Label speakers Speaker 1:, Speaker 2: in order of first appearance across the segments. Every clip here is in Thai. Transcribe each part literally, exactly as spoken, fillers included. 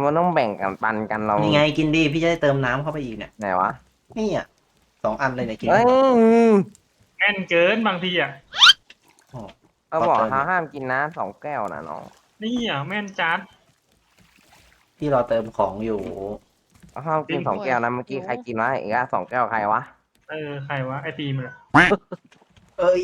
Speaker 1: มันต้องแบ่งกันปันกันเรา
Speaker 2: นี่ไงกินดีพี่จะได้เติมน้ำเข้าไปอีกเนี่ย
Speaker 1: ไหนวะ
Speaker 2: นี่อ่ะสองอันเลยเนี่ยกิน
Speaker 1: เอ้ย
Speaker 3: แม่นเกินบางทีอ่ะ
Speaker 1: เขาบอกเขาห้ามกินน้ำสองแก้วนะน้อง
Speaker 3: นี่อ่ะแม่นจัด
Speaker 2: พี่รอเติมของอยู่
Speaker 1: เขาห้ามกินสองแก้วนะเมื่อกี้ใครกินวะอีกอ่ะสองแก้วใครวะ
Speaker 3: เออใครวะไอฟิล์มเลย
Speaker 2: เอ้ย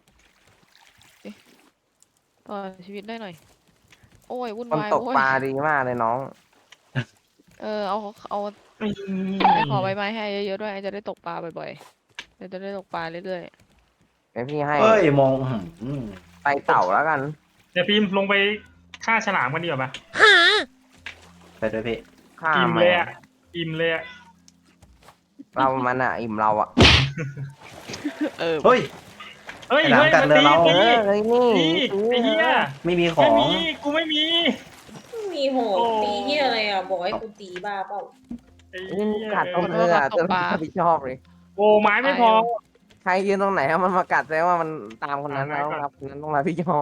Speaker 4: ต่อชีวิตได้หน่อย โอ้ยวุ่น
Speaker 1: คน
Speaker 4: วาย
Speaker 1: ตก
Speaker 4: โอ้ย
Speaker 1: ปลาดีมากเลยน้อง
Speaker 4: เออเอาเอา
Speaker 3: ไม่
Speaker 4: ไปขอใบไม้ให้เยอะๆด้วยไอ้จะได้ตกปลาบ่อยๆเดี๋ยวจะได้ตกปลาเรื่อย
Speaker 1: เดี๋ยวพี่ให้
Speaker 2: เอ้ยมองอืม
Speaker 1: ไปเต่าแล้วกัน
Speaker 3: เดี๋ยวฟิล์มลงไปฆ่าฉลามกันดีกว่าปะ
Speaker 2: ไปด้วยพี่
Speaker 1: ข้า
Speaker 3: อิ่ม
Speaker 1: ม
Speaker 3: เลยอ่ะอิ่มเลยอ่ะ
Speaker 1: เรามันอ่ะอิ่มเราอ่ะ
Speaker 4: ๆ เออ
Speaker 2: เฮ้ย
Speaker 3: เฮ้ย
Speaker 2: ไอ้หลาม
Speaker 3: เฮ้ย
Speaker 2: กัด
Speaker 3: มา
Speaker 2: เรือ
Speaker 3: ตี
Speaker 2: เรา
Speaker 1: เอ
Speaker 3: ตี
Speaker 1: อเฮ้ยนี่
Speaker 3: ตีไอ้เหี้ย
Speaker 2: ไม่มีข
Speaker 3: ไม่
Speaker 2: อง
Speaker 3: มีกูไม่มี
Speaker 5: มีโหด
Speaker 3: โอ้
Speaker 5: ตีที่อะไรอ่ะ บอกให้กูตีบ้าเปล่า
Speaker 3: ไอ้
Speaker 1: นี่
Speaker 3: เหี้ย
Speaker 1: กัดตรงเรือจนรับผิดชอบเลย
Speaker 3: โอ้ไม้ไม่พอ
Speaker 1: ใครยืนตรงไหนอะมันมากัดแสดงว่ามันตามคนนั้น
Speaker 3: อ่า
Speaker 1: แล้ว
Speaker 3: ไม่กัด
Speaker 1: ครับคนนั้นต้องรับผิดชอบ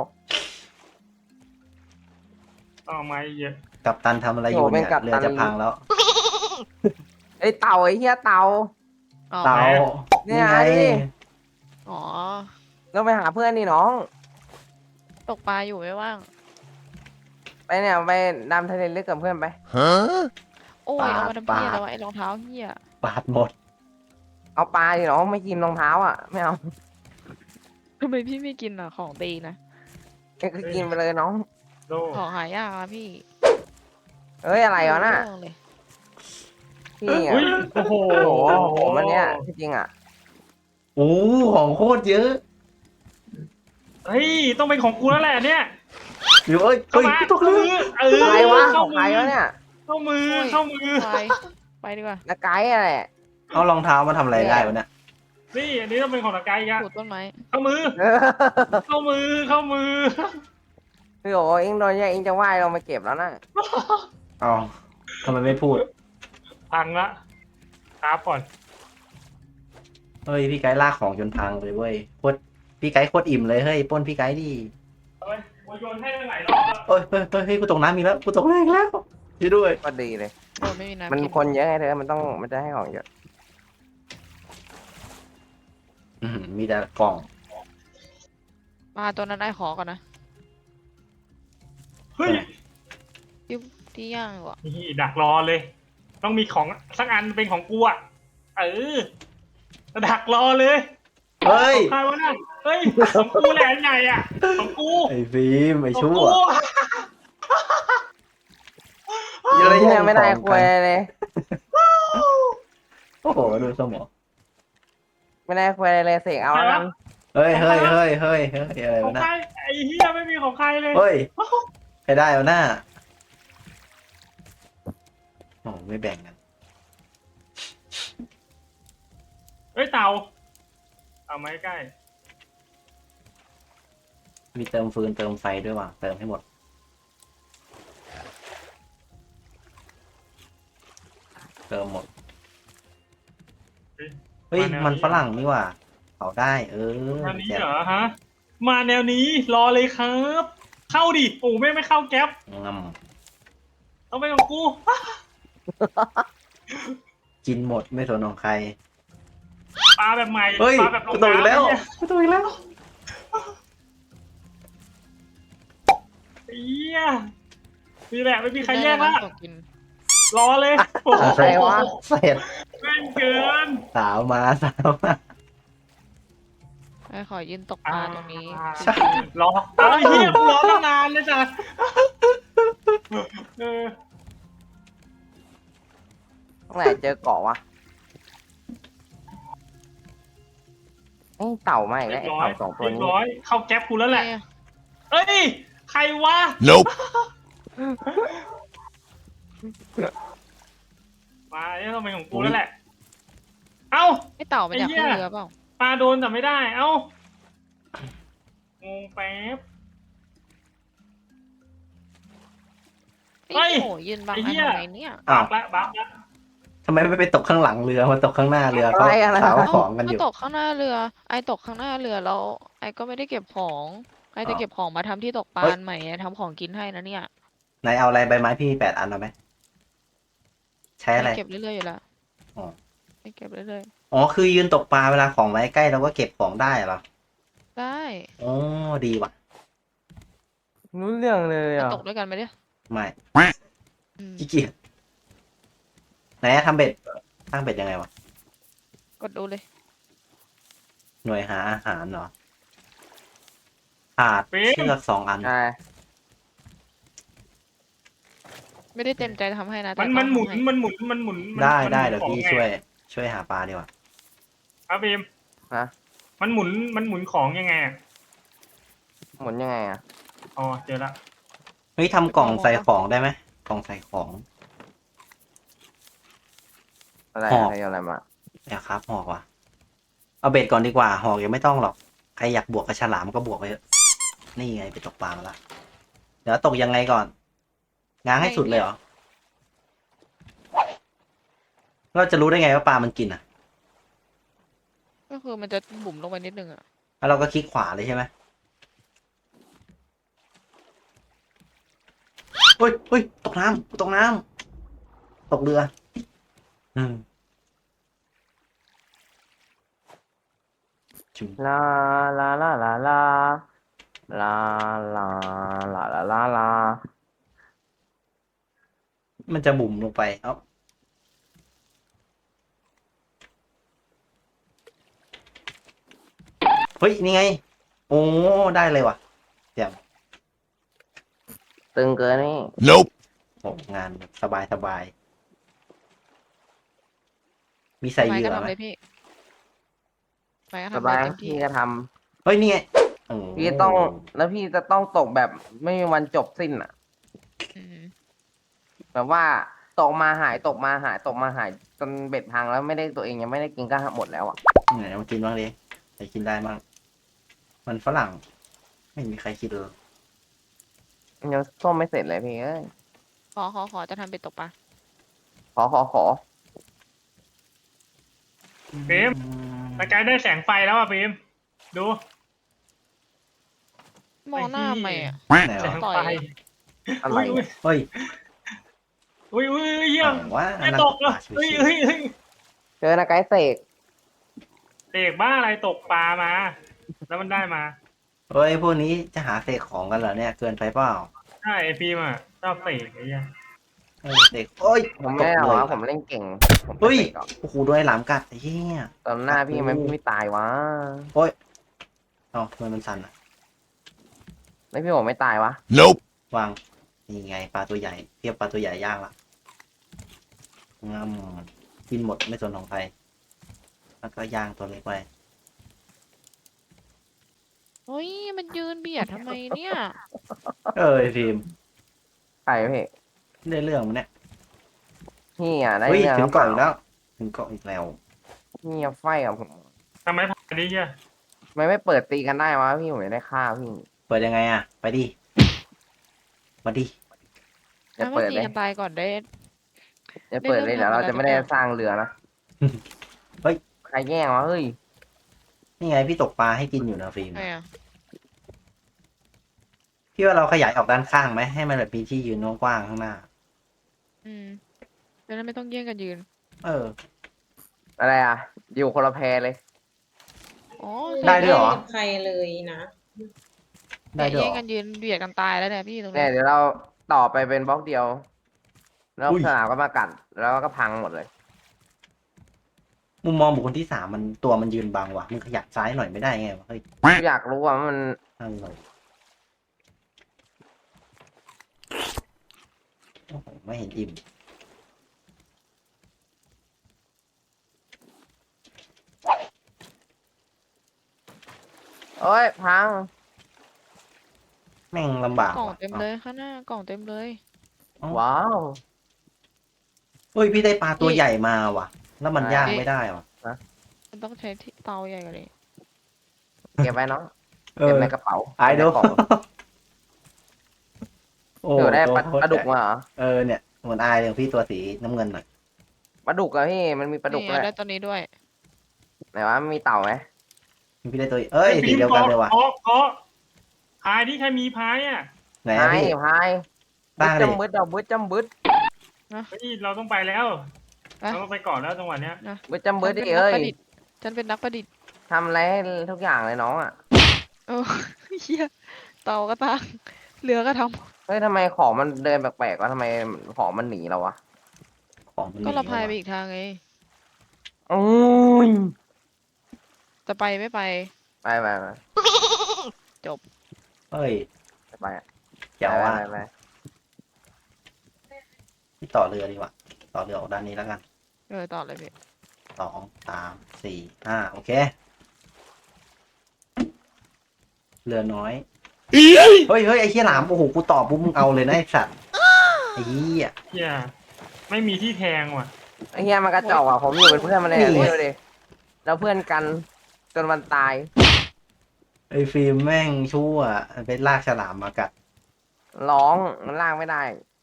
Speaker 3: เอาไม้เยอะ
Speaker 2: กับตันทำอะไรอยู่เนี่ยเรือจะพังแล้ว
Speaker 1: ไอ้เต่าไอ้เหี้ยเต่า
Speaker 4: อ๋อ
Speaker 2: เต่า
Speaker 1: เนี่
Speaker 2: นี่
Speaker 1: ย
Speaker 2: ไง
Speaker 1: ดิ
Speaker 4: อ๋อ
Speaker 1: เราไปหาเพื่อนนี่น้อง
Speaker 4: ตกปลาอยู่ไม่ว่าง
Speaker 1: ไปเนี่ยไปดำทะเลลึกกับเพื่อนไป
Speaker 4: โอ้ยเอามาทำเพี้ยแล้ววะไอ้รองเท้าเหี้ย
Speaker 2: ปาดหมด
Speaker 1: เอาปลาดิน้องไม่กินรองเท้าอ่ะไม่เอา
Speaker 4: ทำไมพี่ไม่กินอ่ะของตีนะ
Speaker 1: แกก็กินไปเลยน้อง
Speaker 3: โด
Speaker 4: ของหายากอะพี่
Speaker 1: เอ้ยอะไรวะน่ะ
Speaker 4: เรื่องเลย
Speaker 1: พี่อ่ะ
Speaker 3: อุ้ยโอ้โห
Speaker 1: โอ้โหผมอันเนี้ยที่จริงอ่ะ
Speaker 2: โอ้ของโคตรเยอะ
Speaker 3: เฮ้ยต้องเป็นของกูแล้วแหละเนี่ย
Speaker 2: อยู่เอ้ย
Speaker 3: เข้า
Speaker 2: เฮ้ย
Speaker 3: มา
Speaker 2: ตกเรือ
Speaker 3: เออ
Speaker 1: ใครวะข
Speaker 3: เข้า
Speaker 1: องใค
Speaker 3: มื
Speaker 1: ร
Speaker 3: อ
Speaker 1: วะเนี่ย
Speaker 3: เข้ามือ
Speaker 4: โอ้ย
Speaker 3: เข้ามือ
Speaker 4: ไปไปดีกว่า
Speaker 1: นักไกด์อะไร
Speaker 2: เอารองเท้ามาทำอะไรได้วะเนี่ย
Speaker 3: นี่อันนี้ต้องเป็นของตะไกอีกอะ
Speaker 4: ปลูกต้นไม้
Speaker 3: เข้ามือ
Speaker 1: เออ
Speaker 3: เข้ามือเข้ามือ
Speaker 1: พี่โอ้เอ็งโดนแย่งเอ็งจะว่ายลงไปเก็บแล้วนะ
Speaker 2: เอาทำไมไม่พูด
Speaker 3: พังละครับก่อน
Speaker 2: เฮ้ยพี่ไกด์ลากของจนพังเลยเว้ยโคตรพี่ไกด์โคตรอิ่มเลยเฮ้ยปล้นพี่ไกด์ดิ
Speaker 3: เอาไปโยนให้ตั้งหลายรอบแล้ว
Speaker 2: เอ้ยเฮ้ยเฮ้ยเฮ้ยกูตกน้ำมีกแล้วกูตกแรงแล้วช่วยด้วย
Speaker 1: ก็ดีเลย
Speaker 4: โดนไม่มีน้ำ
Speaker 1: มัน
Speaker 4: กิน
Speaker 1: คนเยอะไงเธอมันต้องมันจะให้ของเยอะ
Speaker 2: อื้อหือมีแต่กล่อง
Speaker 4: ปลาตัวนั้นได้ขอก่อนนะ
Speaker 3: เฮ้ย
Speaker 4: ที่ที่ย่างดีกว่า
Speaker 3: นี่ดักรอเลย ต้องมีของสักอันเป็นของกูอะเออดักรอเลย
Speaker 2: เฮ้ย
Speaker 3: ของใครวะน่ะเฮ้ยของกูแหละอันใหญ่อะของกู
Speaker 2: ไอ้ฟิล์มไอ้
Speaker 3: ของ
Speaker 2: ชั่ว
Speaker 3: กู
Speaker 1: เยอะแยะไม่ได้คุยเลย
Speaker 2: โอ้โหดูสมอง
Speaker 1: ไม่ได้คุยเลยเสกเอาแล้วกัน
Speaker 2: เฮ้ยเฮ้ยเฮ้ยเฮ้ยเฮ้ยอะไร
Speaker 3: ของ
Speaker 2: วะนะ
Speaker 3: ใครไอ้เหี้ยไม่มีของใครเลย
Speaker 2: เฮ้ยใครได้เอาหน้าโอ้ไม่แบ่งกัน
Speaker 3: เฮ้ยเต่าเอาไม้ใกล้
Speaker 2: มีเติมฟืนเติมไฟด้วยว่ะเติมให้หมดเติมหมดเฮ้ยมันฝรั่งนี่ว่ะเผาได้เออ
Speaker 3: มานี้
Speaker 2: แจ่ม
Speaker 3: เหรอฮะ มาแนวนี้รอเลยครับ เข้าดิโอ้ไม่ไม่เข้าแก๊ป
Speaker 2: ง
Speaker 3: ต้องไปของกู
Speaker 2: ำกินหมดไม่สนของใคร
Speaker 3: ปลาแบบใหม่
Speaker 2: เฮ้ย
Speaker 3: ปลาแบบล
Speaker 2: กู
Speaker 3: ง
Speaker 2: ตกอีกแล้ว
Speaker 3: น้ำเนี่ย
Speaker 2: กูตกอีกแล้ว
Speaker 3: เฮียนี่แหละไม่มีใครแย่งละ
Speaker 4: ตกกิน
Speaker 3: รอเลยโอ้โห
Speaker 1: ใครวะ
Speaker 2: เสร็จ
Speaker 3: แม่งเกิน
Speaker 2: สาวมาสาวมา
Speaker 4: ไปขอยืนตกปลาตรงนี้
Speaker 2: ใช่
Speaker 3: รอเอาไอ้เฮียกูรอตั้งนานเลยจ้ะเออ
Speaker 1: ตรงไหนเจอเกาะวะไอ้เต่าไม่
Speaker 3: เรี
Speaker 1: แล้
Speaker 3: ยว บ
Speaker 1: ไอ้
Speaker 3: ร้อย
Speaker 1: เต่าสองตัว
Speaker 3: เรียบ
Speaker 1: นี้
Speaker 3: ร้อยเข้าแก๊ปกูแล้วแหละ
Speaker 4: เนี่ย
Speaker 3: เอ้ยใครวะ
Speaker 6: Nope.
Speaker 3: มาเนี่ยต้องเป็นของกูแล้วแหละ เอ้า
Speaker 4: ไอ้เต่ามันอยาก
Speaker 3: ไอ้เหี้
Speaker 4: ขึ้
Speaker 3: ย
Speaker 4: นเรือเปล่า
Speaker 3: ปลาโดนแต่ไม่ได้ เอ้างงแป๊บ เฮ้
Speaker 4: ไอ้
Speaker 3: ย
Speaker 4: โหยืนบัง
Speaker 3: ไอ้
Speaker 4: อั
Speaker 3: เหี้
Speaker 4: น
Speaker 3: ย
Speaker 4: ทำไมเนี่ย
Speaker 3: บักละบักละ
Speaker 2: ทำไมไม่ไปตกข้างหลังเรือมาตกข้างหน้าเรือเขา
Speaker 1: อะไรอะไร
Speaker 2: สาว
Speaker 4: เอ้า
Speaker 2: ของกันอ
Speaker 4: ก็
Speaker 2: ยู่
Speaker 4: ตกข้างหน้าเรือ ไอ้ตกข้างหน้าเรือแล้วไอ้ก็ไม่ได้เก็บของไอ้จะเก็บของมาทำที่ตกปลา
Speaker 2: เฮ้ย
Speaker 4: อันใหม่ไอ้ทำของกินให้นะเนี่ย
Speaker 2: ไหนเอาอะไรใบไม้พี่มีแปดอันเอาไหมใช้อะไร
Speaker 4: เก็บเรื่อยๆอยู่แล้ว
Speaker 2: อ๋อ
Speaker 4: ให้เก็บเรื่อย
Speaker 2: อ๋อคือยืนตกปลาเวลาของไว้ใกล้เราก็เก็บของได้เหรอ
Speaker 4: ๆได้
Speaker 2: อ๋อดีว่ะ
Speaker 1: รู้เรื่องเลย
Speaker 4: จะ
Speaker 1: อ่ะ
Speaker 4: ตกด้วยกันไหมเนี่ย
Speaker 2: ไม่
Speaker 4: อืม
Speaker 2: ขี้เกียจไหนอะทำเบ็ดตั้งเบ็ดยังไงวะ
Speaker 4: กดดูเลย
Speaker 2: หน่วยหาอาหารเหรอขาดเชือกสองอัน
Speaker 1: ใช่
Speaker 4: ไม่ได้เต็มใจทำให้นะแต่
Speaker 3: มัน
Speaker 4: ต้
Speaker 3: มั
Speaker 4: อน ง
Speaker 3: หมุน
Speaker 4: ทำให้
Speaker 3: มันหมุนมันหมุนมัน
Speaker 2: ได้
Speaker 3: มัน
Speaker 2: ได้
Speaker 3: หมุน
Speaker 2: เดี๋ยว
Speaker 3: ของ
Speaker 2: พี่
Speaker 3: ไง
Speaker 2: ช่วย ช่วยหาปลาดีกว่า
Speaker 3: ครับบีม
Speaker 1: ฮะ
Speaker 3: มันหมุนมันหมุนของยังไงอะ
Speaker 1: หมุนยังไงอ่ะ
Speaker 3: อ๋อเจอละ
Speaker 2: เฮ้ยทำกล่องใส่ของได้ไหมกล่องใส่ของ
Speaker 1: อะไร
Speaker 2: หอก
Speaker 1: ใครเอาอะไรมา
Speaker 2: เดี๋ยวครับหอกว่ะ เอาเบ็ดก่อนดีกว่า หอกยังไม่ต้องหรอก ใครอยากบวกกับฉลามก็บวกไปเถอะนี่ไงไปตกปลามาละเดี๋ยวตกยังไงก่อน ง้างให้สุดเลยเหรอ เราจะรู้ได้ไงว่าปลามันกินอ่ะ
Speaker 4: ก็คือมันจะบุ๋มลงไปนิดนึงอ่ะ
Speaker 2: แล้วเราก็คลิกขวาเลยใช่ไหมเฮ้ยเฮ้ยตกน้ำตกน้ำตกเรืออืมจุ๊บ
Speaker 1: ลาลาลาลาลาลาลาลาลาลาลา
Speaker 2: มันจะบุ่มลงไป เอ้าเฮ้ย นี่ไง โอ้ ได้เลยว่ะเดี๋ยว
Speaker 1: ตึงเกินนี่
Speaker 6: Nope.
Speaker 2: โอ้งานแบบสบายสบาย มีใส่
Speaker 4: ไม้
Speaker 2: เหยื่
Speaker 4: ก็
Speaker 2: อ
Speaker 4: ทำ
Speaker 2: ไหม
Speaker 4: เลยพี่ไม้ก็
Speaker 1: ส
Speaker 4: ทำเล
Speaker 1: บาย
Speaker 4: ยเต็มที่
Speaker 1: พี่ก็ท
Speaker 2: เฮ้ย นี่ไงโอ้
Speaker 1: ำพี่ต้องแล้วพี่จะต้องตกแบบไม่มีวันจบสิ้นอ่ะ
Speaker 4: อืม
Speaker 1: แบบว่าตกมาหายตกมาหายตกมาหายจนเบ็ดพังแล้วไม่ได้ตัวเองยังไม่ได้กินก็หมดแล้วอ่ะ
Speaker 2: ไหนมากินบ้างดิใครกินได้บ้างมันฝรั่ง ไม่มีใครกินเลย
Speaker 1: ยังส้มไม่เสร็จเลยพี่เอ้ย
Speaker 4: ขอขอขอจะทำเป็นตกปลา
Speaker 1: ขอขอขอ
Speaker 3: บีมตะกายได้แสงไฟแล้วอ่ะบีมดู
Speaker 4: มองหน้าใหม่อ่ะ
Speaker 2: ไหน
Speaker 3: แส
Speaker 2: วะ
Speaker 3: ง
Speaker 4: ต่อย
Speaker 3: ไฟ
Speaker 1: อะไร
Speaker 3: อุ้ย
Speaker 1: เนี่ย
Speaker 2: เฮ้ย
Speaker 3: อุ้ยอุ้ยอุ้ยเยี่ยม
Speaker 2: เอาว่า
Speaker 3: จะตกแล้ว
Speaker 2: ชิว
Speaker 3: เฮ้ย
Speaker 2: ๆ
Speaker 3: เฮ้ยเฮ้ย
Speaker 1: เจอนะไกด์เสก
Speaker 3: เสกบ้าอะไรตกปลามา แล้วมันได้มา
Speaker 2: เฮ้ย พวกนี้จะหาเสกของกันเหรอเนี่ย เกินไปเปล่า
Speaker 3: ใช่ไอพีมอ่ะชอบเสกไอ้เหี้ย
Speaker 2: เออเสกเอ้ย
Speaker 1: ผมไม่ได้หร
Speaker 2: ต
Speaker 1: อก
Speaker 2: เล
Speaker 1: นะ
Speaker 2: ย
Speaker 1: ผมเล่นเก่งผม
Speaker 2: เฮ้ย
Speaker 1: เสกหรอก
Speaker 2: โอ้โหโดนไอ้หลามกัดไอ้เหี้ย
Speaker 1: ตอนหน้าพี่มันไม่ตายวะ
Speaker 2: เอ้าทำไมมันสั่นอ่ะ
Speaker 1: แล้วพี่ผมไม่ตายวะ
Speaker 6: Nope.
Speaker 2: วาง นี่ไงปลาตัวใหญ่ เทียบปลาตัวใหญ่ย่างละงามกินหมดไม่สนของใคร แล้วก็ย่างตัวเล็กไป
Speaker 4: เฮ้ยมันยืนเบียดทำไมเนี่ย
Speaker 2: เออไอ้ทีม
Speaker 1: ใครพี่
Speaker 2: ได้เรื่องมันเนี่ย
Speaker 1: พี่อ่ะได้
Speaker 2: เฮ้ย
Speaker 1: เรื่อง
Speaker 2: ถึงเกาะ
Speaker 1: ห
Speaker 2: อี
Speaker 1: รื
Speaker 2: ก
Speaker 1: เปล่า
Speaker 2: แล้ว ถึงเกาะอีกแล้ว
Speaker 1: พี่อะไฟกับผม
Speaker 3: ทำไมผ่านดิเหี้ย
Speaker 1: ทำไม่ไม่เปิดตีกันได้วะพี่ผมไม่ได้ฆ่าพี่
Speaker 2: เปิดยังไงอ่ะ ไปดิ มาดิ
Speaker 1: จะ
Speaker 4: ถ้า
Speaker 1: เปิด
Speaker 4: ตี
Speaker 1: เลย
Speaker 4: กันตายก่อนได้
Speaker 1: จะเปิดเลย
Speaker 4: ได้
Speaker 1: เดี๋ยว
Speaker 4: เริ่
Speaker 1: เรา
Speaker 4: มทำ
Speaker 1: จะไม่ได้
Speaker 4: อะไรสักอย่าง
Speaker 1: สร้างเรือนะ
Speaker 2: เฮ้ย
Speaker 1: ใครแย่งวะเฮ้ย
Speaker 2: นี่ไงพี่ตกปลาให้กินอยู่นะฟิล์ม
Speaker 4: ไงอ่ะ
Speaker 2: พี่ว่าเราขยายออกด้านข้างไหมให้มันแบบมีที่ยืนกว้างๆข้างหน้า
Speaker 4: อืมจะได้ไม่ต้องแย่งกันยืน
Speaker 2: เออ
Speaker 1: อะไรอ่ะ อยู่คนละแพเลย
Speaker 4: อ๋อ
Speaker 2: ได้ด้วยเหรอ
Speaker 5: ม่กับใครเลยนะ
Speaker 2: ได้ด้วย
Speaker 4: แย่
Speaker 2: เห
Speaker 4: ง
Speaker 2: รอ
Speaker 4: กันยืนเบียดกันตายแล้วเนี่ยพี่ตรง
Speaker 1: เนี่
Speaker 4: นี้
Speaker 1: ยเดี๋ยวเราต่อไปเป็นบล็อกเดียว แล้ว
Speaker 2: อุ้ย
Speaker 1: สนามก็มากัดแล้วก็พังหมดเลย
Speaker 2: มุมมองบุคคลที่สามมันตัวมันยืนบังว่ะมึงขยับซ้ายหน่อยไม่ได้ไงวะเฮ้ย
Speaker 1: อยากรู้ว่ามัน
Speaker 2: อะไรโอ้โหไม่เห็นอิ่ม
Speaker 1: โอ้ยพัง
Speaker 2: แม่งลำบาก
Speaker 4: กล่อง
Speaker 2: ว่ะ
Speaker 4: เต็มเลยข้างหน้ากล่องเต็มเลย
Speaker 1: ว้าว
Speaker 2: เฮ้ยพี่ได้ปลาตัวใหญ่มาว่ะ แล้วมัน
Speaker 1: ใช่
Speaker 2: ย่างไม่ได้ว่ะ
Speaker 4: มันต้องใช้ที่เตาใหญ่กว่านี้
Speaker 1: เก็บไว้เนาะ
Speaker 2: เอ
Speaker 1: เก็บ
Speaker 2: อ
Speaker 1: ในกระเป๋า
Speaker 2: ไอ้ดู
Speaker 1: เก็บในกล่อง
Speaker 2: โอ้
Speaker 1: อยู่ได้ปลา
Speaker 2: ตัวโคตร
Speaker 1: ปลาดุก
Speaker 2: ใหญ่
Speaker 1: มาเหรอ
Speaker 2: เออเนี่ยเหมือนอายอย่างพี่ตัวสีน้ำเงินหน่อย
Speaker 1: ปลาดุกอะพี่มันมีปลาดุก
Speaker 4: นี่
Speaker 1: ด้วย
Speaker 4: ได้ตัวนี้ด้วย
Speaker 1: ไหนวะมีเต่าไหม
Speaker 2: พี่ได้ตัวเอ้ยสีเดียวกันเลยว่ะ
Speaker 3: ขอขอพายที่ใครมีพายอ่ะ
Speaker 2: ไหน
Speaker 1: พา
Speaker 2: อะ
Speaker 1: ย
Speaker 2: พี่
Speaker 1: พาย
Speaker 2: ตั้งดิ
Speaker 1: จำบึดเอาบึดจำบึด
Speaker 3: เฮ้ยเราต้องไปแล้ว
Speaker 4: ไป
Speaker 3: เราต้องไปก่อนแล้วจังหวะเนี้ย
Speaker 4: นะ
Speaker 1: เบิร์ดจำเบิร์ด
Speaker 4: ฉั
Speaker 1: ดิ
Speaker 4: นเป็นนัก
Speaker 1: เอ้ย
Speaker 4: ประดิษฐ์ฉันเป็นนักประดิษฐ์
Speaker 1: ทำอะไรให้ทุกอย่างเลยน้องอ่ะ
Speaker 4: เออ เฮียเตาก็ตั้งเรือก็ท
Speaker 1: เฮ้ยทำไมของมันเดินแปลกๆวะทำไมของมันหนีเราวะ
Speaker 2: ของมัน
Speaker 4: ำ
Speaker 2: ห
Speaker 4: ก็
Speaker 2: นี
Speaker 4: เราพาย
Speaker 2: ว่ะ
Speaker 4: ไปอีกทางไง
Speaker 1: อุ้ย
Speaker 4: จะไปไม่ไป
Speaker 1: ไปไปไป
Speaker 2: เฮ้ย
Speaker 1: ไปอะ
Speaker 2: เจ๋วว่ะ
Speaker 1: ไปไปไป
Speaker 2: ที่ต่อเรือดีกว่าต่อเรือออกด้านนี้แล้วกัน
Speaker 4: เออต่อเลยพี่
Speaker 2: สองสามสี่ห้าโอเค เรือน้อยเฮ้ยเฮ้ยไอ้เหี้ยหลามโอ้โหกูตอบปุ๊บมึงเอาเลยนะไอ้สัตว์ไอ้เหี้ย
Speaker 3: เฮียไม่มีที่แทงว่ะ
Speaker 1: ไอ้เฮียมันกระจอกอ่ะผมอยู่เป็นเพื่อนมันเลยอะ
Speaker 2: นี่
Speaker 1: นี่ดูดิเราเพื่อนกันจนมันตาย
Speaker 2: ไอ้ฟิล์มแม่งชั่วไปลากฉลามมากัด
Speaker 1: ร้องมันลากไม่ได้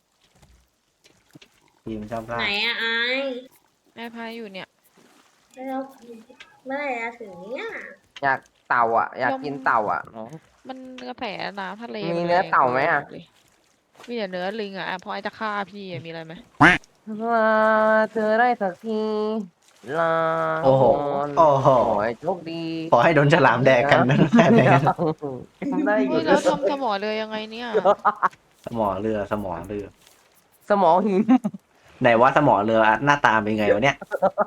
Speaker 2: ฟิล์มชอบลา
Speaker 5: ไหน
Speaker 2: ก
Speaker 5: อะไอาย
Speaker 4: แม่พายอยู่เนี่ย
Speaker 5: แล้วเมื่อไหร่จะถึงเนี่ย
Speaker 1: อยากเต่าอ่ะ อยากกินเต่าอ่ะ
Speaker 4: มันกระแสน้ำทะเล
Speaker 1: มี
Speaker 4: น
Speaker 1: เนื้อ
Speaker 4: แรง
Speaker 1: เต่าไหมอะ
Speaker 4: เลยมีแต่เนื้อลิงอ่ะอ่ะเพราะไอจะฆ่าพี่อะมีอะไรไหม
Speaker 1: ลาเธอได้สักทีลา
Speaker 2: โอ้โห
Speaker 1: ก่น
Speaker 2: โอ้โห
Speaker 1: โอ้ยโชคดี
Speaker 2: ขอให้โดนฉลามแดกกันนั่นแหละ
Speaker 1: ได้อ
Speaker 4: เฮ้
Speaker 1: ยู่
Speaker 4: ยแล้วทำสมอเรือยังไงเนี่ย
Speaker 2: สมอเรือสมอเรือ
Speaker 1: สมองหิน
Speaker 2: ไหนว่าสมอเรือหน้าตาเป็นไงวะเนี่ย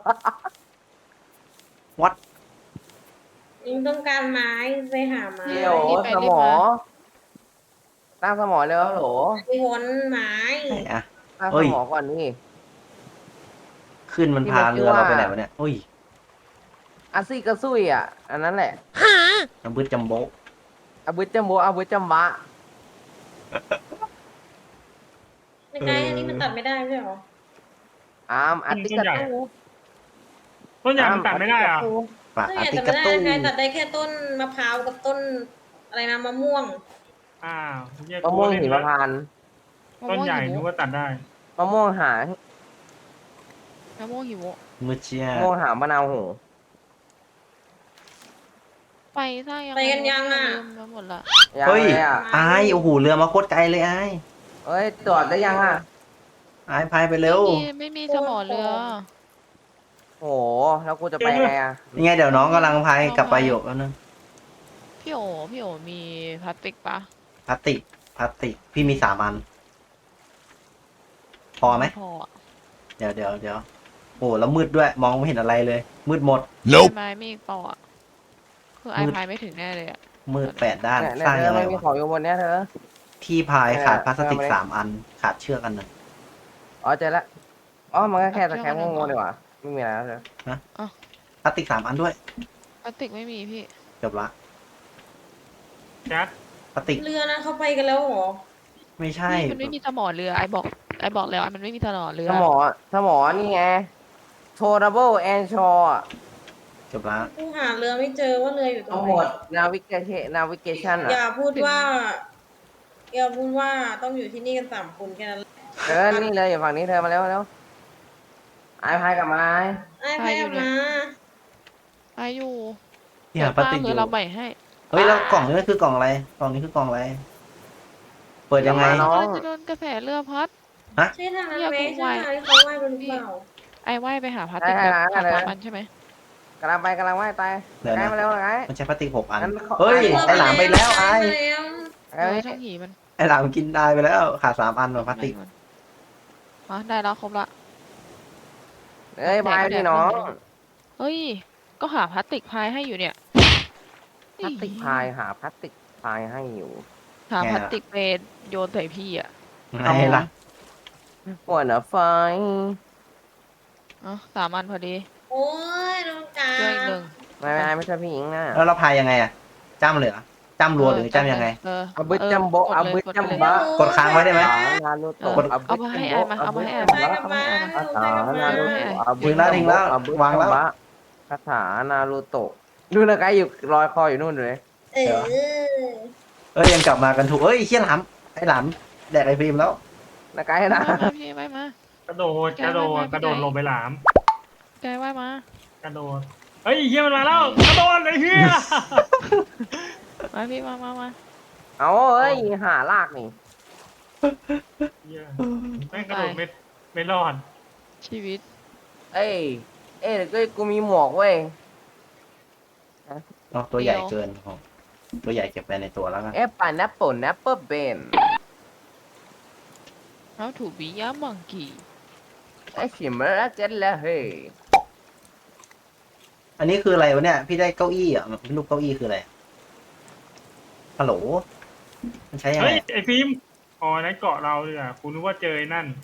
Speaker 2: วัด
Speaker 5: ยิงต้องการไม้ไปหาไม้
Speaker 1: เดี๋ยว
Speaker 4: รีบไป
Speaker 1: ส
Speaker 4: รี
Speaker 1: ม
Speaker 4: บ
Speaker 1: อ
Speaker 4: มา
Speaker 1: ตั้งสมอเลยเหรอโหล
Speaker 5: ไปวนไม้
Speaker 2: ไหนอะ
Speaker 1: ตั้ง
Speaker 2: เฮ้
Speaker 1: ส
Speaker 2: ย
Speaker 1: มอก่อนนี่
Speaker 2: ขึ้นมัน
Speaker 1: ที่
Speaker 2: พา
Speaker 1: มันชื่
Speaker 2: เรือ
Speaker 1: อว่า
Speaker 2: เราไปไหนวะเนี่ยอุ้ย
Speaker 1: อาซี่กระซุยอ่ะ อันนั้นแหละ
Speaker 2: น้ำบึ้ดจัมโบ้
Speaker 1: อาบุจจัมโบอาบุจจัมบะ
Speaker 5: ในไกลอันนี้มันตัดไม่ได้ใช่เหรอ
Speaker 1: อามอาติกระตู
Speaker 3: ต้นใหญ่มันตัดไม่ได้อ่ะ
Speaker 2: ปาก
Speaker 5: ไม่
Speaker 2: อา
Speaker 5: ไง
Speaker 2: ติ
Speaker 5: ตัด
Speaker 2: กา
Speaker 5: ไม่ได้
Speaker 2: ตู
Speaker 5: ไกลตัดได้แค่ต้นมะพร้าวกับต้นอะไรนะมะม่วง
Speaker 3: อ้าวเหี้ย
Speaker 1: มะม่วง
Speaker 3: กู
Speaker 1: หิ
Speaker 3: เล่
Speaker 1: มพานต์
Speaker 3: ต้นใหญ่
Speaker 4: มะ
Speaker 3: นึ
Speaker 4: ม่
Speaker 3: ก
Speaker 4: วง
Speaker 3: ว่าตัดได้
Speaker 1: มะม่วงหาง
Speaker 4: หิวมะม่วงหิว
Speaker 2: มือเชีย
Speaker 1: มะม่วงหางมะนาวโห
Speaker 4: ไปสร้างยัง
Speaker 5: ไปกันยังอะ
Speaker 4: ลืมไปหมดละ
Speaker 1: ยัง
Speaker 2: เฮ้ย
Speaker 1: เลยอ่ะ
Speaker 2: อายโอ้โหเรือมาโคตรไกลเลยอาย
Speaker 1: เอ้ยตรวจได้ยังอ่ะ
Speaker 2: อายพายไปเร็ว
Speaker 4: ไม่มีไม่มีสมอเรือ
Speaker 1: โห แล้วกูจะไปไงอ่ะ
Speaker 2: ยังไงเดี๋ยวน้องกำลังพายกลับไปอยู่แล้วนึง
Speaker 4: พี่โอพี่โอมีพลาสติกปะ
Speaker 2: พลาสติกพลาสติกพี่มีสามอัน พอไหม
Speaker 4: พออะ
Speaker 2: เดี๋ยวเดี๋ยวเดี๋ยวโอ้แล้วมืดด้วย มองไม่เห็นอะไรเลย มืดหมด
Speaker 4: ไม้ไม่พออะคือไอ
Speaker 2: มืด
Speaker 4: พายไม่ถึงแน่เลยอ่ะ
Speaker 2: มืดแปดด้าน
Speaker 1: เนี่ย
Speaker 2: สร้าง
Speaker 1: เธ
Speaker 2: ยั
Speaker 1: อง
Speaker 2: ไง
Speaker 1: ไม่มี
Speaker 2: วะ
Speaker 1: ของอยู่บนเนี้ยเธอ
Speaker 2: ที่พายขาด
Speaker 1: เนี่ย
Speaker 2: พลาสติก
Speaker 1: เอามาเลย
Speaker 2: สามอัน ขาดเชือกอันหนึ่ง
Speaker 1: อ๋อเจอละอ๋อ มันก็แค่ตะแคงโง่ๆดีกว่า ไม่มีอะไรแล้วเธอ
Speaker 2: พลาสติกสามอันด้วย
Speaker 4: พลาสติกไม่มีพี่
Speaker 2: จบละ
Speaker 3: แจ๊ด
Speaker 2: พลาสติก
Speaker 5: เรือนะเขาไปกันแล้วเหรอ
Speaker 2: ไม่ใช่
Speaker 4: พี่มันไม่มีสมอเรือไอบอกไอบอกแล้วมันไม่มีสมอเรือ
Speaker 1: สมอ สมอนี่ไง Tourable and Shore
Speaker 2: จบละ
Speaker 5: กูหาเรือไม่เจอว่าเรืออยู่ตร
Speaker 1: ทั้
Speaker 5: ง
Speaker 1: ง
Speaker 5: ไห
Speaker 1: หม
Speaker 5: น
Speaker 1: ด navigation navigation
Speaker 5: อย่า
Speaker 1: อ่ะ
Speaker 5: พูดว่า อย่าพูดว่าต้องอยู่ที่นี่กันสามคนแค่นั้นแหละ
Speaker 1: เออ นี่เลยอยู่ฝั่งนี้เธอมาแล้วมาแล้วไอ้พายกลับมาไอ้
Speaker 5: ไอ้ไปเอามา
Speaker 4: ไออยู่
Speaker 2: เนี่ยพลาสติกอ
Speaker 4: คือยู่เราใหม่ให้
Speaker 2: เฮ้ยแล้วกล่องนี้มันคือกล่องอะไร กล่องนี้คือกล่องอะไร เปิดยังไง
Speaker 1: น้อง
Speaker 4: เราจะโดนกระแสเรือพัด
Speaker 5: ใช่ทางนั้น
Speaker 4: อย่า
Speaker 5: ไหม
Speaker 4: พูด
Speaker 5: ใช่
Speaker 4: ไว
Speaker 5: ทางที่เขาว่ายกันหรือเปล่า
Speaker 4: ไอว่ายไปหาพลาสติก
Speaker 1: ได้
Speaker 4: แบบ
Speaker 1: ได้ได้
Speaker 4: สามอันใช่ไหม
Speaker 1: กำลังไปกำลังว่ายตาย
Speaker 2: เดี๋ยว
Speaker 1: ไกล
Speaker 2: นะ
Speaker 1: มาแล้วไกล
Speaker 2: มันใช้พลาสติกหกอัน
Speaker 1: งั้นขอ
Speaker 2: เฮ้ย ไอหลามไปแล้วไอ
Speaker 5: ไปแล้ว
Speaker 1: ไกล
Speaker 4: เอ
Speaker 1: มา
Speaker 4: อ
Speaker 1: นี่
Speaker 4: ช่างหีมัน
Speaker 2: ไอหลามกินได้ไปแล้ว ขาดสามอันว่ะพลาสติก
Speaker 4: อ๋อได้แล้วครบละ
Speaker 1: เอ้ยพายพี่น้อง
Speaker 4: เฮ้ย ก็หาพลาสติกพายให้อยู่เนี่ย
Speaker 1: พลาสติกพายหาพลาสติกพายให้อยู่
Speaker 4: หาพลาสติกไปโยนใส่พี่อ่ะ
Speaker 2: ไงล่ะ
Speaker 1: หัวหน้าไฟ
Speaker 4: อ๋อสามอันพอดี
Speaker 5: โอ้ยน้องกา
Speaker 4: เจออีกหนึ่ง
Speaker 1: ไม่ไม่ไม่ใช่พี่หญิงนะ
Speaker 2: แล้วเราพายยังไงอะจ้ำเลยเหรอจ้ำรัวหรือจ้ำยังไง
Speaker 4: เออ
Speaker 1: เอาบึ้ดจัมโบ
Speaker 4: กด
Speaker 1: เอา
Speaker 4: เลย
Speaker 1: บึ้ด
Speaker 4: กด
Speaker 1: จัม
Speaker 4: เลย
Speaker 1: บะ
Speaker 2: กดค้างไว้ได้ไหม
Speaker 1: นารูโตะ
Speaker 4: เออเอามาให้ไอ้มาเอามาให้ไอ้มา
Speaker 5: ไปกับมา
Speaker 1: คาถานารูโตะเอา
Speaker 2: ถึงแล้วถึงแล้ว
Speaker 1: เอาบึ้ด
Speaker 2: วางแล้ว
Speaker 1: จัมบะคาถานารูโตะดูนะไกด์อยู่ลอยคออยู่นู่นเลย
Speaker 5: เออ
Speaker 2: เอ้ยยังกลับมากันถูกเอ้ยเชี่ยหลามไอหลามแดกไอฟิล์มแล้ว
Speaker 1: นะไกด์นะ
Speaker 4: มามาพี่ไว้มาก
Speaker 3: ระโดดกระโดดกระโดดลงไปหลาม
Speaker 4: แกไว้มา
Speaker 3: กระโดดเฮ้ยเฮียมันมาแล้วกระโดดไอ้เฮีย
Speaker 4: มาพี่มามามา
Speaker 1: เอาเอ้ยหาลากนี่
Speaker 3: เหี้ยแม่งกระโดดไม่ไม่รอด
Speaker 4: ชีวิต
Speaker 1: เอ้ย เอ้ยเดี๋ยวกูมีหมวกเว้ย
Speaker 2: เนาะตัวใหญ่เกินอ๋อตัวใหญ่เก็บไปในตัวแล้วกัน
Speaker 1: เอ๊ะปาแอปเปิลแอปเปิลเบน
Speaker 4: How to be a monkey
Speaker 1: ไอ้ชิมเมอร์เจ็ดแล้วเฮ้ย
Speaker 2: อันนี้คืออะไรวะเนี่ย พี่ได้เก้าอี้อ่ะรูปเก้าอี้คืออะไรฮัลโหลมันใช้ยังไง
Speaker 3: เฮ้ยไอฟิล์มอ๋อนั่นเกาะเราเลยอ่ะคุณนึกว่าเจอไอ้นั่น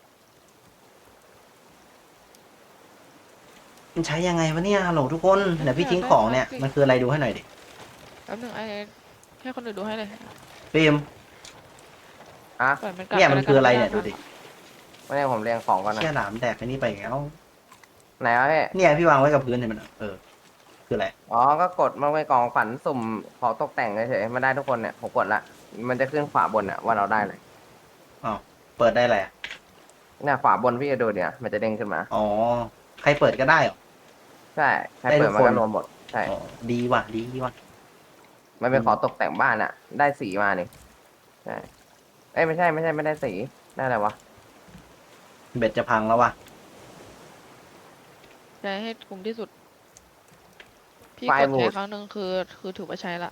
Speaker 2: มันใช้ยังไงวะเนี่ยฮัลโหลทุกคนเดี๋ยวพี่ทิ้งของเนี่ยมันคืออะไรดูให้หน่อยดิ
Speaker 4: แป๊บนึงไอ้ให้คนอื่นดูให้เลย
Speaker 2: ฟิล์ม
Speaker 1: อ่ะ
Speaker 4: ปล่อยมันกลับ
Speaker 2: เนี่ยมัน
Speaker 4: ปแล้วกั
Speaker 2: คืออะไรเนี่ยดูดิ
Speaker 1: ไม่ได้ผมเรียงของก่อนนะ
Speaker 2: เชี่ยหลามแดกไอ้นี่ไปอีกแล้ว
Speaker 1: ไหนวะพี่
Speaker 2: เนี่ยพี่วางไว้กับพื้นเห็นมันอะเออ คืออะไร
Speaker 1: อ๋อ ก็กดมันไปกล่องขวัญสุ่มของตกแต่งเฉยๆมันได้ทุกคนเนี่ยผมกดละ มันจะขึ้นขวาบนอะว่าเราได้เลย
Speaker 2: อ๋อเปิดได้แหละ
Speaker 1: เนี่ยขวาบนพี่จะดูเนี่ยมันจะเด้งขึ้นมา
Speaker 2: อ๋อใครเปิดก็ได้เหรอ
Speaker 1: ใช่ใคร
Speaker 2: ได้
Speaker 1: เปิ
Speaker 2: ทุ
Speaker 1: ด
Speaker 2: ก
Speaker 1: มัน
Speaker 2: คน
Speaker 1: ก็รวมหมด ใช่
Speaker 2: อ๋อดีว่ะดีว่ะ
Speaker 1: มันเป็นของตกแต่งบ้านอะได้สีมานี่ใช่ เอ้ยไม่ใช่ไม่ใช่ไม่ได้สี ได้อะไรวะ
Speaker 2: เบ็ดจะพังแล้วว่ะ
Speaker 4: ใช้ให้คุ้มที่สุด พี่
Speaker 1: ไฟ
Speaker 4: กด
Speaker 1: บู
Speaker 4: ใช้
Speaker 1: ด
Speaker 4: ครั้งหนึ่งคือ คือถือว่าใช้ละ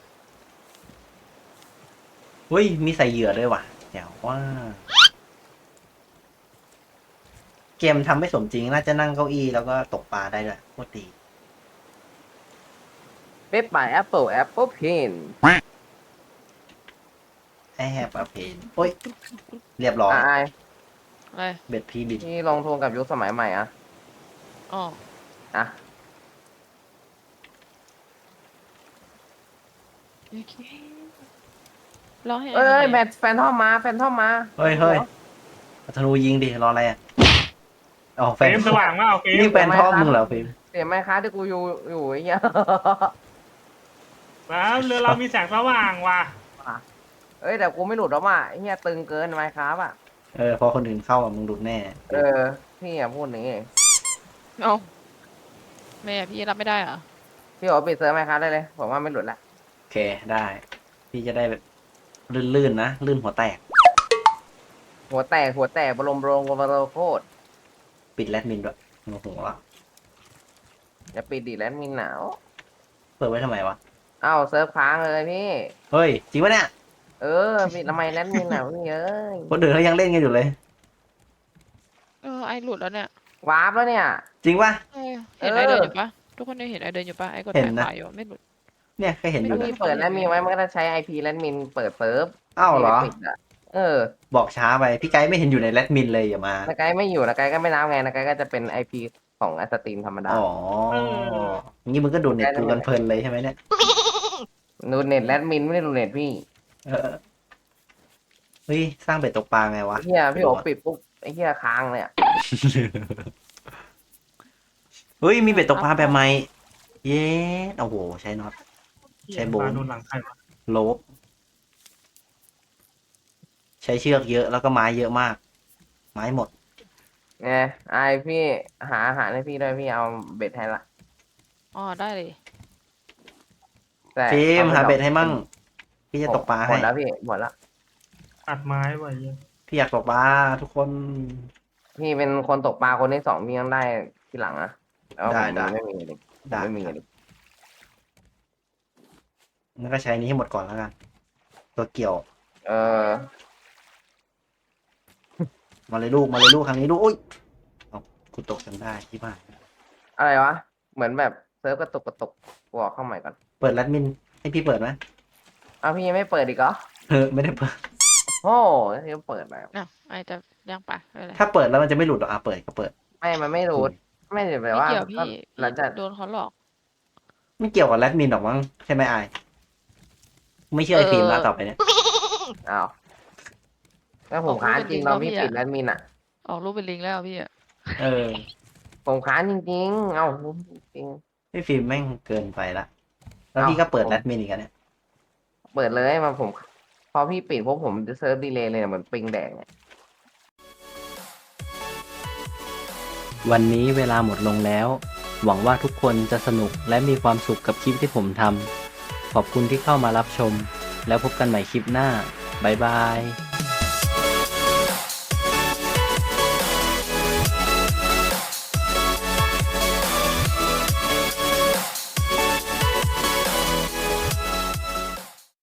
Speaker 2: เฮ้ยมีใส่เหยื่อด้วยว่ะเดี๋ยวว่า เกมทำไม่สมจริงน่าจะนั่งเก้าอี้แล้วก็ตกปลาได้ด้วยโคตรดี
Speaker 1: เป๊ปไปแอปเปิลแอปเปิลเพน
Speaker 2: ไอแฮปอะเพนโอ้ย เรียบร้อย
Speaker 1: อ่ะไอ
Speaker 4: อะไร
Speaker 2: เบ็ดพีบิด
Speaker 1: ที่ลงทุนกับยุคสมัยใหม่อะ
Speaker 4: อ๋อ
Speaker 1: อ่ะ
Speaker 4: โอเครอให้
Speaker 1: เอ้ย
Speaker 4: ไอ้
Speaker 1: แมทแฟนทอมมาแฟนทอมมา
Speaker 2: เฮ้ยเฮ้ยเอาธนูยิงดิ รออะไรอ่ะอ๋อแฟ
Speaker 3: เฟร
Speaker 2: น
Speaker 3: มสว่างว่าเอาเฟรม
Speaker 2: นี่แฟนทอมมึงเหรอฟิล์ม
Speaker 1: เสียไหมคะที่กูอยู่อยู่ไอ้เหี้ย
Speaker 3: แล้วเรือเรามีแสงสว่างว่ะ
Speaker 1: เอ้ยแต่กูไม่หลุดหรอกว่ะไอ้เหี้ยตึงเกินไหมครับอ่ะ
Speaker 2: เออ พอคนอื่นเข้าอ่ะมึงหลุดแน่
Speaker 1: เออ พี่อย่าพูดอย่างนี้
Speaker 4: เอาแม่พี่รับไม่ได้เหรอ
Speaker 1: พี่บอกว่าปิดเซิร์ฟไหมครับได้เลยผมว่าไม่หลุดละ
Speaker 2: โอเคได้ พี่จะได้แบบลื่นๆนะ ลื่นหัวแตก
Speaker 1: หัวแตกหัวแตกบรมโรงบรมโคตร
Speaker 2: ปิดแรดมินด้วยโอ้โหละ
Speaker 1: อย่าปิดดิแล้วมีหนาว
Speaker 2: เปิดไว้ทำไมวะ
Speaker 1: เอ้าเซิร์ฟค้างเลยพี่
Speaker 2: เฮ้ย จริงปะเนี่ย
Speaker 1: เออปิดทำไมแลนด์มินหนาวพี่เอ้ย
Speaker 2: คนอื่นเขายังเล่นกันอยู่เลย
Speaker 4: เออไอหลุดแล้วเนี่ย
Speaker 1: วาร์ปแล้วเนี่ย
Speaker 2: จริงปะ
Speaker 4: เออเห็น
Speaker 1: เออ
Speaker 4: ไอเดินอยู่ปะทุกคนได้เห็นไอเดินอยู่ปะไอกด
Speaker 2: เห็น
Speaker 4: ถ่าย
Speaker 2: นะ
Speaker 4: ขวาอยู่ไม่หลุด
Speaker 2: เนี่ยแค่เห็นอ
Speaker 1: ถ้า
Speaker 2: ยู่นะ
Speaker 1: พี่เปิดแลนด์มินไว้มันก็จะใช้ไอพีแลนด์มินเปิดเซิร์ฟ
Speaker 2: อ้าวเหรอ
Speaker 1: พี่ไม่ปิดะเออ
Speaker 2: บอกช้าไป พี่ไกด์ไม่เห็นอยู่ในแรดมินเลยอย่ามา
Speaker 1: นาไกด์ไม่อยู่นาไกด์ก็ไม่นับไงนาไกด์ก็จะเป็นไอพีของไอสตรีมธรรมดา
Speaker 2: อ๋องี้มึงก็ดูเน็ตดูกันเพลินเลยใช่ไหมเนี่ย
Speaker 1: ดูเน็ตแลนด์มินไม่ได้ดูเน็ตพี่
Speaker 2: เออเฮ้ย สร้างเบ็ดตกปลาไงวะ
Speaker 1: เฮียพี่โอปิดปุ๊บไอเฮียค้างเลยอะ
Speaker 2: เฮ้ย มีเบ็ดตกปลาแบบใหม่ เย้โอ้โห ใช้น็อต ใช้โบน
Speaker 3: ปลาโดนหลังใครวะ
Speaker 2: โลบใช้เชือกเยอะแล้วก็ไม้เยอะมาก ไม้หมด
Speaker 1: ไงไอพี่หาอาหารให้พี่ด้วยพี่เอาเบ็ดให้ละ
Speaker 4: อ๋อได้เลย
Speaker 1: แต่
Speaker 2: ฟิล์ม
Speaker 1: อไป
Speaker 2: หาเบ็ด
Speaker 1: ดอก
Speaker 2: ให้มั่ง พี่จะตกปลา
Speaker 1: หม
Speaker 2: ให้
Speaker 1: ดแล้วพี่หมดแล้ว
Speaker 3: ตัดไม้ไว้เหี้ย
Speaker 2: พี่อยากตกปลาทุกคน
Speaker 1: พี่เป็นคนตกปลาคนที่สองพี่ยังได้ทีหลังอะแล้ว
Speaker 2: ได้
Speaker 1: ผม
Speaker 2: ได้
Speaker 1: ไม่มีเลย
Speaker 2: ได้
Speaker 1: ไม่มีเลย
Speaker 2: งั้นก็ใช้นี้ให้หมดก่อนแล้วกัน ตัวเกี่ยว
Speaker 1: เออ
Speaker 2: มาเลยลูก มาเลยลูกครั้งนี้ลูกอุ้ยเอากูตกจนได้ที่บ้าน
Speaker 1: อะไรวะ เหมือนแบบเซิร์ฟกระตุกกระตุกกูออกเข้าใหม่ก่อน
Speaker 2: เปิดแรดมิน ให้พี่เปิดไหม
Speaker 1: เอาพี่ยังไม่เปิดอีกเหรอ
Speaker 2: เออไม่ได้เปิด
Speaker 1: โอ้ที่เปิดแล้ว
Speaker 4: อ่ะไอจะย่างปลาอะไร
Speaker 2: ถ้าเปิดแล้วมันจะไม่หลุดหรอกอ่ะเปิดก็เปิด
Speaker 1: ไม่มันไม่รู้ไม่ได้แบ
Speaker 4: ไม่
Speaker 1: บว่า
Speaker 4: เกี่ยว
Speaker 1: ก็
Speaker 4: พี่
Speaker 1: หลังจาก
Speaker 4: โดนเขาหลอก
Speaker 2: ไม่เกี่ยวกับแรดมินหรอกมั้งใช่ไหมไอายไม่เชื่อไอ
Speaker 4: เออ
Speaker 2: ฟิล์มแล้วต่อไปเนี่ย
Speaker 1: อ้าวแล้วผม
Speaker 4: ออก
Speaker 1: ค้าน
Speaker 4: รูป
Speaker 1: จริง
Speaker 4: เป็น
Speaker 1: เรา
Speaker 4: จริ
Speaker 1: พี่
Speaker 4: ง
Speaker 1: ปิด
Speaker 4: เน
Speaker 1: แอ
Speaker 4: อะ
Speaker 1: ดมินอ่ะ
Speaker 4: ออกรูปเป็นลิงก์แล้วพี่อะ
Speaker 2: เออ
Speaker 1: ผมค้านจริงๆ เอ้าจริง
Speaker 2: ไอฟิล์มแม่งเกินไปละแล้ว
Speaker 1: เอ้า
Speaker 2: พี่ก็เปิด
Speaker 1: ผม
Speaker 2: แรดมินอีกอันเนี่ย
Speaker 1: เปิดเลยมาผม พอพี่ปิดพวกผมจะเซิร์ฟดีเลย์เลยเหมือนปิงแดงอะ
Speaker 2: วันนี้เวลาหมดลงแล้ว หวังว่าทุกคนจะสนุกและมีความสุขกับคลิปที่ผมทำขอบคุณที่เข้ามารับชม แล้วพบกันใหม่คลิปหน้าบ๊ายบาย